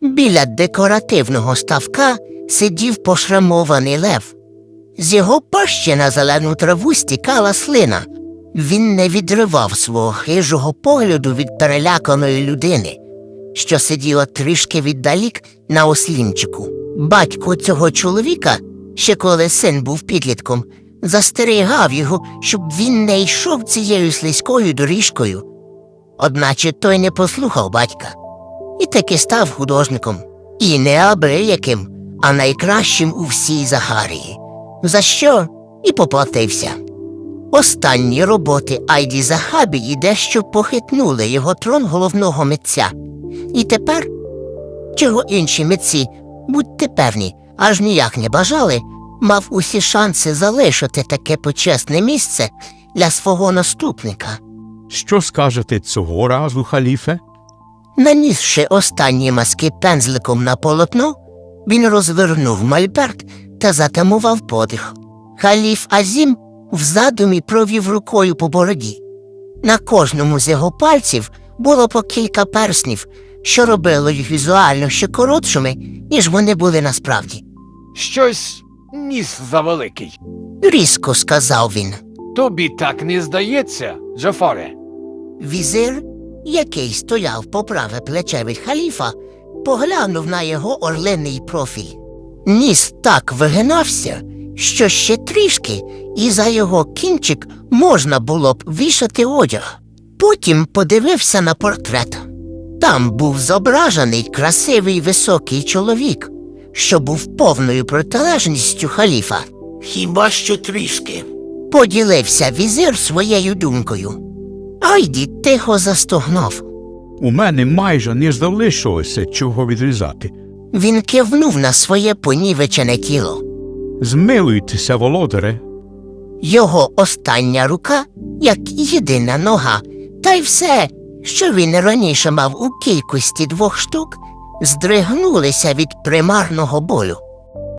Біля декоративного ставка сидів пошрамований лев. З його пащі на зелену траву стікала слина. Він не відривав свого хижого погляду від переляканої людини, що сиділа трішки віддалік на ослінчику. Батько цього чоловіка, ще коли син був підлітком, застерігав його, щоб він не йшов цією слизькою доріжкою. Одначе той не послухав батька і таки став художником. І не абияким, а найкращим у всій Захарії, за що і поплатився. Останні роботи Айді Захабії дещо похитнули його трон головного митця. І тепер, чого інші митці, будьте певні, аж ніяк не бажали, мав усі шанси залишити таке почесне місце для свого наступника. Що скажете цього разу, халіфе? Нанісши останні мазки пензликом на полотно, він розвернув мольберт та затамував подих. Халіф Азім в задумі провів рукою по бороді. На кожному з його пальців було по кілька перснів, що робило їх візуально ще коротшими, ніж вони були насправді. Щось ніс завеликий. Різко сказав він. Тобі так не здається, Джафаре? Візир, який стояв по праве плече від халіфа, поглянув на його орлиний профіль. Ніс так вигинався, що ще трішки, і за його кінчик можна було б вішати одяг. Потім подивився на портрет. Там був зображений красивий високий чоловік, що був повною протилежністю халіфа. «Хіба що трішки», – поділився візир своєю думкою. Айді тихо застогнав. У мене майже не залишилося чого відрізати. Він кивнув на своє понівечене тіло. Змилуйтеся, володаре. Його остання рука, як єдина нога, та й все, що він раніше мав у кількості 2 штук, здригнулися від примарного болю.